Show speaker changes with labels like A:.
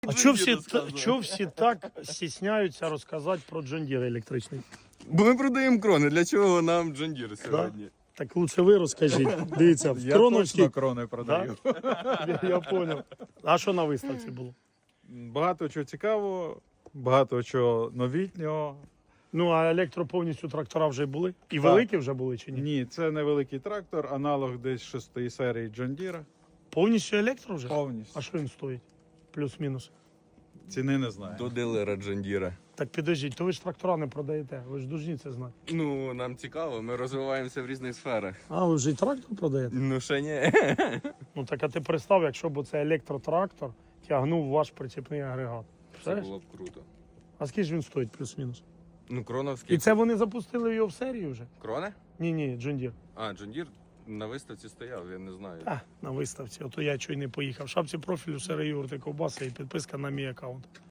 A: А чого всі так стісняються розказати про John Deere електричний?
B: Бо ми продаємо крони, для чого нам John Deere сьогодні?
A: Так лучше ви розкажіть. Дивіться, в
C: Я
A: Кроновській...
C: точно крони продаю.
A: Я понял. А що на виставці було?
C: Багато чого цікавого, багато чого новітнього.
A: Ну, а електро повністю трактора вже були? І
C: Так.
A: великі вже були чи ні?
C: Ні, це невеликий трактор, аналог десь 6-ї серії John Deere.
A: Повністю електро вже? А
C: Повністю.
A: що він стоїть? Плюс-мінус.
C: Ціни не знаю.
B: До дилера John Deere.
A: Так підождіть, то ви ж трактора не продаєте, ви ж должні це знати.
B: Ну, нам цікаво, ми розвиваємося в різних сферах.
A: А, ви вже й трактор продаєте?
B: Ну, ще ні.
A: Ну так а ти представ, якщо б це електротрактор тягнув ваш прицепний агрегат.
B: Це
A: Представляєш?
B: було б круто.
A: А скільки ж він стоїть плюс-мінус?
B: Ну, кроновський.
A: І це вони запустили його в серію вже?
B: Крони?
A: Ні, John Deere.
B: А, John Deere на виставці стояв, я не знаю.
A: А, на виставці. Ото я чого й не поїхав. В шапці профілю Сера Юрти Ковбаса і підписка на мій аккаунт.